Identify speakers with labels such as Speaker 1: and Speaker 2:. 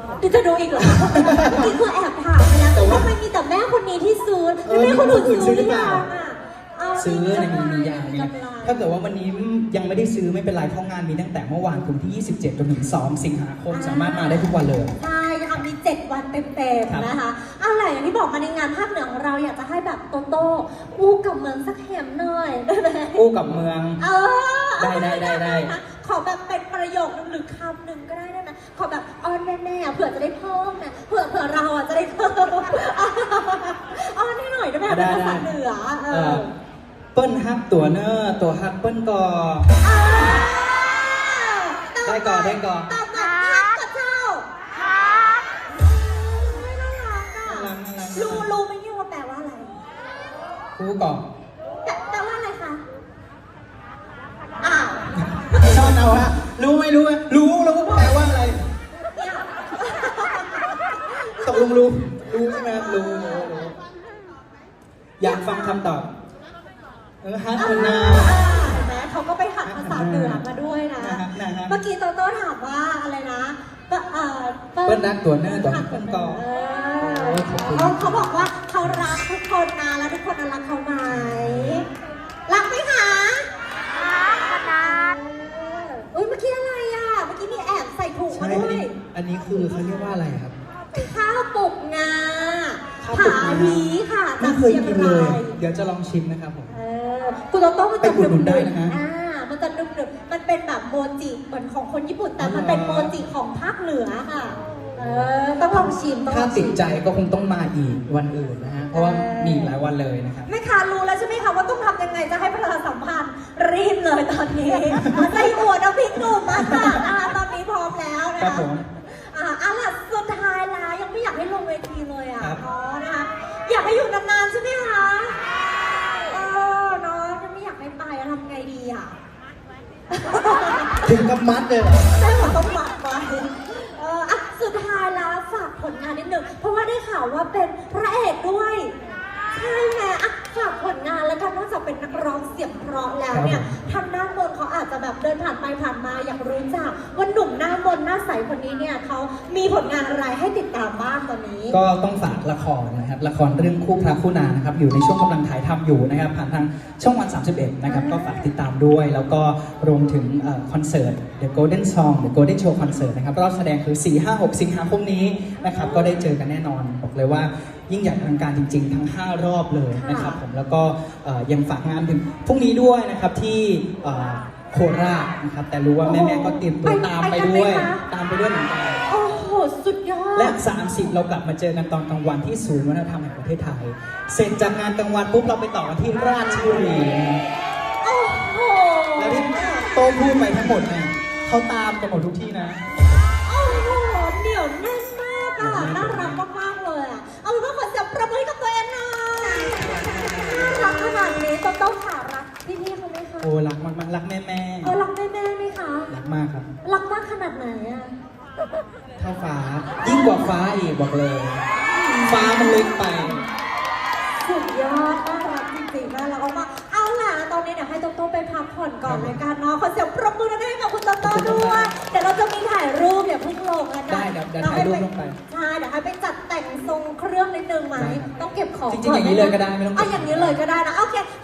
Speaker 1: ดิจะดูอีกเหรอนี่คือแอบถามไปแล้วแต่ว่ามันมีแต่แม่คนนี้ที่ซื้อแม่คนอื่นซื้อหรือเปล่า
Speaker 2: ซื้อในมียาเนี่ยถ้าเกิดว่าวันนี้ยังไม่ได้ซื้อไม่เป็นไรเพราะงานมีตั้งแต่เมื่อวานถึงที่27จนถึง2สิงหาคมสามารถมาได้ทุกวันเลย
Speaker 1: ใช่ค่ะมี7วันเต็มๆนะคะอะไรอย่างที่บอกมาในงานภาคเหนือของเราอยากจะให้แบบโตโต้อู้กับเมืองสักแหมหน่อยได้ไหม
Speaker 2: อู้กับเมืองได้
Speaker 1: ขอแบบเป็นประโยคนึงหรือคำหนึ่งก็ได้ไหมขอแบบอ้อนแม่ๆเผื่อจะได้เพิ่มนะเผื่อเราจะได้เพิ่มอ้อนให้หน่อยได้ไหมเป็นภาษาเหนือ
Speaker 2: เปิ้ลฮักตัวเนอร์ตัวฮักเปิ้ลกอได้ก่อนตอบ
Speaker 1: มาฮักกับเจ้าฮักไม่น่ารักอ่ะรู้ไหมเนี่ยว่าแปลว่าอะไร
Speaker 2: รู้ก่อน
Speaker 1: แปลว่าอะไรคะ
Speaker 2: ชอบเอาฮะรู้ไหมรู้แปลว่าอะไรตกลงรู้ใช่ไหมรู้อยากฟังคำตอบฮัทคนนา
Speaker 1: แม้เขาก็ไปหัดภาษาเหนือมาด้วยนะเมื่อกี้โตโต้ถามว่าอะไรนะ
Speaker 2: เปิ้ลรักตัวเนอร์ตัวเปิ้ลกอ
Speaker 1: เขาบอกว่าเขารักทุกคนนะแล้วทุกคนรักเขาไหมรักไหมคะรักขนาดเมื่อกี้อะไรอ่ะเมื่อกี้มีแอบใส่ถุงมาด้วย
Speaker 2: อันนี้คือเขาเรียกว่าอะไรครับ
Speaker 1: ข้าวปลุกงาผาวีค่ะ
Speaker 2: ไม่เคยกินเลยเดี๋ยวจะลองชิมนะครับผม
Speaker 1: คุณโตโต้มันจะ
Speaker 2: หนุนได้นะฮะ
Speaker 1: มันจะดึบมันเป็นแบบโมจิเหมือนของคนญี่ปุ่นแต่มันเป็นโมจิของภาคเหนือค่ะต้องลองชิม
Speaker 2: ถ้าติดใจก็คงต้องมาอีกวันอื่นนะฮะเพราะว่ามีหลายวันเลยนะครับ
Speaker 1: แม่ค้ารู้แล้วใช่ไหมคะว่าต้องทำยังไงจะให้ประชาสัมพันธ์รีบเลยตอนนี้ใส่หัวน้ำพริกหนุ่มมาค่ะตอนนี้พร้อมแล้วนะคะล่ะสุดท้ายแล้วยังไม่อยากให้ลงเวทีเลยนะคะอยากให้อยู่นานๆใช่ไหมคะน้องยังไม่อยากให้ไปทำไงดี
Speaker 2: ถึงกับมัดเลยเหรอ
Speaker 1: ใช่ผมต้องมัดไปสุดท้ายแล้วฝากผลงานนิดนึงเพราะว่าได้ข่าวว่าเป็นพระเอกด้วยใช่ไหมฝากผลงานแล้วกันนอกจากเป็นนักร้องเสียงเพราะแล้วเนี่ยทางด้านบนเขาอาจจะแบบเดินผ่านไปผ่านมาอยากรู้จักว่าหนุ่มหน้ามนหน้าใสคนนี้เนี่ยเขามีผลงานอะไรให้ติดตามบ้างตอนนี้
Speaker 2: ก็ต้องฝากละครนะครับละครเรื่องคู่พระคู่นางนะครับอยู่ในช่วงกำลังถ่ายทำอยู่นะครับผ่านทางช่องวัน31นะครับก็ฝากติดตามด้วยแล้วก็รวมถึงคอนเสิร์ต The Golden Song The Golden Show Concert นะครับรอบแสดงคือ 4-5-6 สิงหาคมนี้นะครับก็ได้เจอกันแน่นอนบอกเลยว่ายิ่งใหญ่อลังการจริงๆทั้ง5รอบเลยนะครับผมแล้วก็ยังฝากงานถึงพรุ่งนี้ด้วยนะครับที่โคราชนะครับแต่รู้ว่าแม่ๆก็เตรียมตัวตามไปด้วยเหมือนกัน
Speaker 1: โอ้โหสุดยอด
Speaker 2: และ30เรากลับมาเจอกันตอนกลางวันที่ศูนย์วัฒนธรรมแห่งประเทศไทยเสร็จจากงานกลางวันปุ๊บเราไปต่อกันที่ราชบุรี
Speaker 1: โอ้โห
Speaker 2: แล้วที่โต้พูดไปทั้งหมดเนี่ยเขาตามกันหมดทุกที่นะ
Speaker 1: โอ้โหเหนียวแน่นมากน่ารักมากๆเลยเอาเป็นว่าขอเสียงประมือให้กับตัวเองหน่อยน่ารักขนาดนี้ต้องขารักพี่เขาไหมคะ
Speaker 2: โอ้รักมากๆรักแม่
Speaker 1: รักแม่ไหมคะ
Speaker 2: รักมากครับ
Speaker 1: รักมากขนาดไหน
Speaker 2: เท่าฟ้ายิ่งกว่าฟ้าอีกบอกเลยฟ้ามันเล็กไป
Speaker 1: สุดยอดน่ารักจริงๆน่ารักมากเอาล่ะตอนนี้เดี๋ยวให้โตโต้ไปพักผ่อนก่อนเลยกันเนาะขอเสียงปรบมือให้กับคุณโตโต้ด้วยเดี๋ยวเราจะมีถ่ายรูปอย่าเพิ่งลงนะ
Speaker 2: ได้เดี๋ยวถ่ายรูปลงไป
Speaker 1: ใช่เดี๋ยวให้ไปจัดแต่งทรงเครื่องนิดนึงไหมต้องเก็บของ
Speaker 2: จริงๆอย่างนี้เลยก็ได้ไม่ต้อง
Speaker 1: อย่างนี้เลยก็ได้นะโอเค